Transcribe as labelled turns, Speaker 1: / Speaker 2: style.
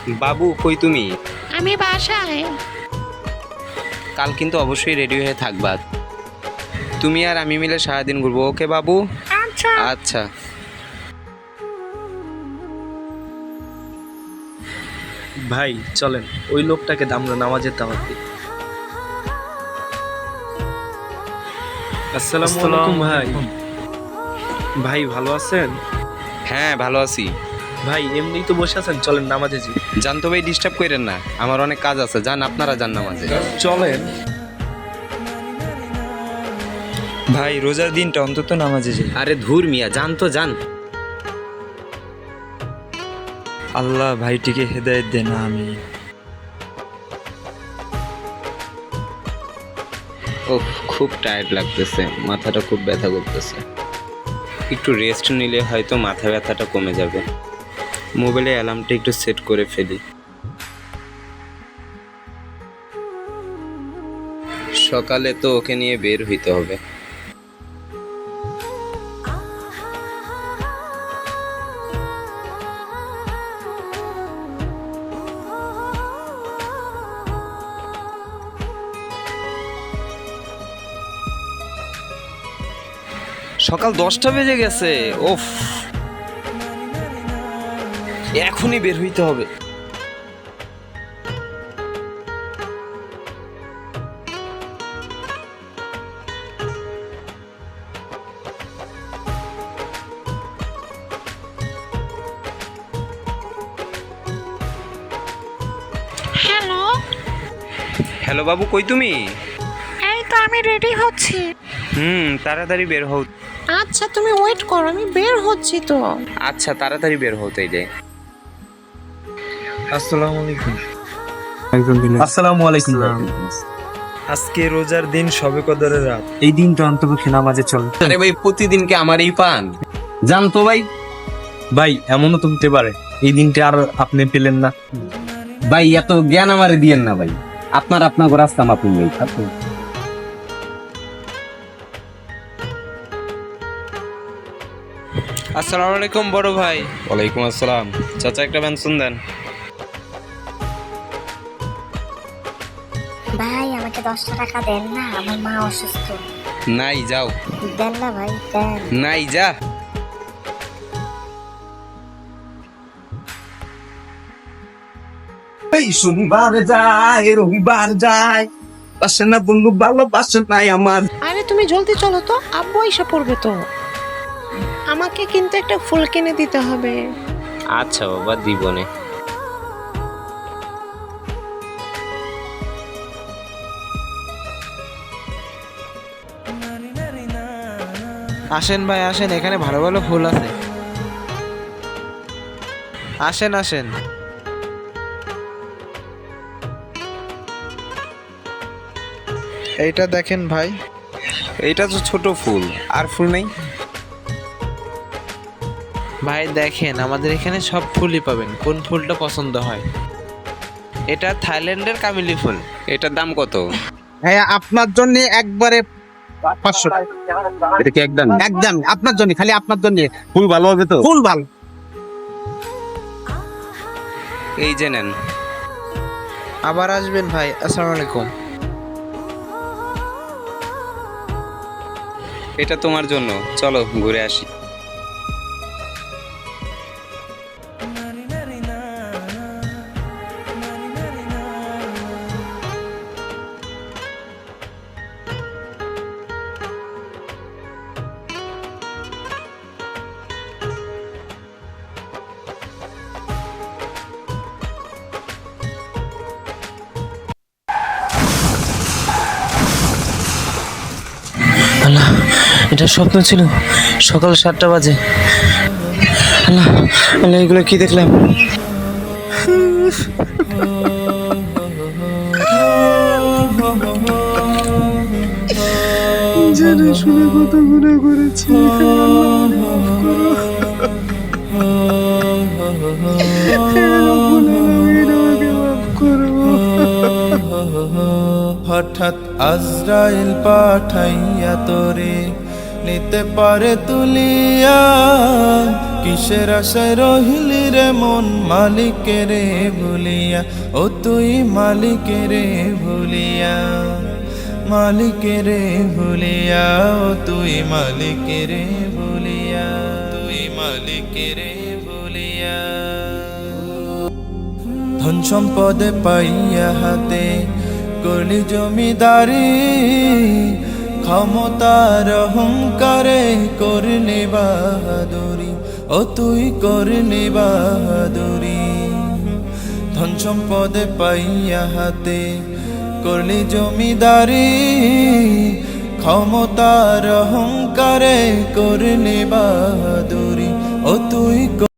Speaker 1: বাবু কই তুমি?
Speaker 2: আমি বাসায়।
Speaker 1: কাল কিন্তু অবশ্যই রেডি হয়ে থাকবা। তুমি আর আমি মিলে সারাদিন ঘুরবো, ওকে বাবু?
Speaker 2: আচ্ছা।
Speaker 1: আচ্ছা।
Speaker 3: ভাই চলেন ওই লোকটাকে আমরা নামাজের দাওয়াত দিই। আসসালামু আলাইকুম ভাই। ভাই ভালো আছেন?
Speaker 1: হ্যাঁ ভালো আছি।
Speaker 3: ভাই এমনিই তো বসে আছেন, চলেন নামাজে যাই।
Speaker 1: জান তো ভাই, ডিস্টার্ব করেন না, আমার অনেক কাজ আছে। যান, আপনারা যান নামাজে।
Speaker 3: চলেন
Speaker 4: ভাই রোজার দিনটা অন্তত নামাজে যাই।
Speaker 1: আরে ধুর মিয়া, যান তো যান।
Speaker 4: আল্লাহ ভাইটিকে হেদায়েত দেন, আমি
Speaker 1: ওহ, খুব টায়ার্ড লাগতেছে, মাথাটা খুব ব্যথা করতেছে। একটু রেস্ট নিলে হয়তো মাথা ব্যথাটা কমে যাবে। মোবাইলে অ্যালার্মটা একটু সেট করে ফেলি। সকালে তো ওকে নিয়ে বের হইতে হবে। সকাল 10টা বেজে গেছে। ওফ, এখনই বের হইতে হবে।
Speaker 2: হ্যালো।
Speaker 1: হ্যালো বাবু, কই তুমি?
Speaker 2: এই তো আমি রেডি হচ্ছি।
Speaker 1: তাড়াতাড়ি বের হও।
Speaker 2: আচ্ছা তুমি ওয়েট করো, আমি বের হচ্ছি তো।
Speaker 1: আচ্ছা, তাড়াতাড়ি বের হও তাইলে।
Speaker 3: আসসালামু আলাইকুম।
Speaker 5: আসসালামু আলাইকুম।
Speaker 4: আজকে রোজার দিন, সবে কদরের রাত।
Speaker 5: এই দিনটা অন্তপক্ষে নামাজে চল।
Speaker 1: আরে ভাই, প্রতিদিন কি আমার এই পান? জান তো ভাই।
Speaker 5: ভাই এমনও তো হতে পারে এই দিনটা আর আপনি পেলেন না।
Speaker 6: ভাই এত জ্ঞান আমারে দিয়েন না ভাই, আপনার রাস্তা মাপুন ভাই।
Speaker 3: আসসালামু আলাইকুম বড় ভাই।
Speaker 1: ওয়ালাইকুম আসসালাম। চাচা, একটা পেনশন দেন।
Speaker 7: ভাই আমাকে 10টা টাকা দেন না, আমার মা অসুস্থ।
Speaker 1: নাই, যাও।
Speaker 7: দেন না ভাই, দেন।
Speaker 1: নাই, যা।
Speaker 5: এই শনিবার যায়, রবিবার যায়, বাসে না বন্ধু, ভালোবাসে নাই আমার।
Speaker 2: আরে তুমি জলদি চলো তো, আব্বু এসে পড়বে তো। আমাকে কিন্তু একটা ফুল কিনে দিতে হবে।
Speaker 1: আচ্ছা বাবা, দিবনে।
Speaker 3: আসেন ভাই আসেন, এখানে ভালো ভালো ফুল আছে। আসেন আসেন। এইটা দেখেন ভাই।
Speaker 1: এইটা তো ছোট ফুল, আর ফুল নেই?
Speaker 3: ভাই দেখেন, আমাদের এখানে সব ফুলই পাবেন, কোন ফুলটা পছন্দ হয়। এটা থাইল্যান্ডের কামিলি ফুল।
Speaker 1: এটার দাম কত?
Speaker 5: হ্যাঁ আপনার জন্য একবারে 500।
Speaker 6: এটা কি একদম?
Speaker 5: একদম আপনার জন্য, খালি আপনার জন্য।
Speaker 6: ফুল ভালো হবে তো?
Speaker 5: ফুল ভালো।
Speaker 1: এই যে নেন।
Speaker 3: আবার আসবেন ভাই। আসসালামু আলাইকুম।
Speaker 1: এটা তোমার জন্য, চলো ঘুরে আসি।
Speaker 3: আল্লাহ, এটা স্বপ্ন ছিল। সকাল 7টা বাজে। আল্লাহ আল্লাহ, এগুলো কি দেখলাম? জেনে শুনে কত গুনাহ করেছি,
Speaker 8: হঠাৎ আজরাইল পাঠাইয়া তোরে নিতে পারে তুলিয়া, কি কিসের আশায় রহিলি রে মন মালিকের ভুলিয়া, ও তুই মালিকের ভুলিয়া, মালিকের ভুলিয়া, ও তুই মালিকের ভুলিয়া, তুই মালিকের ভুলিয়া। ধন সম্পদে পাইয়া হাতে করলি জমিদারি, ক্ষমতার অহংকারে করলি বাহাদুরি, ও তুই করলি বাহাদুরি। ধন সম্পদে পাইয়া হাতে করলি জমিদারি, ক্ষমতার অহংকারে করলি বাহাদুরি, ও তুই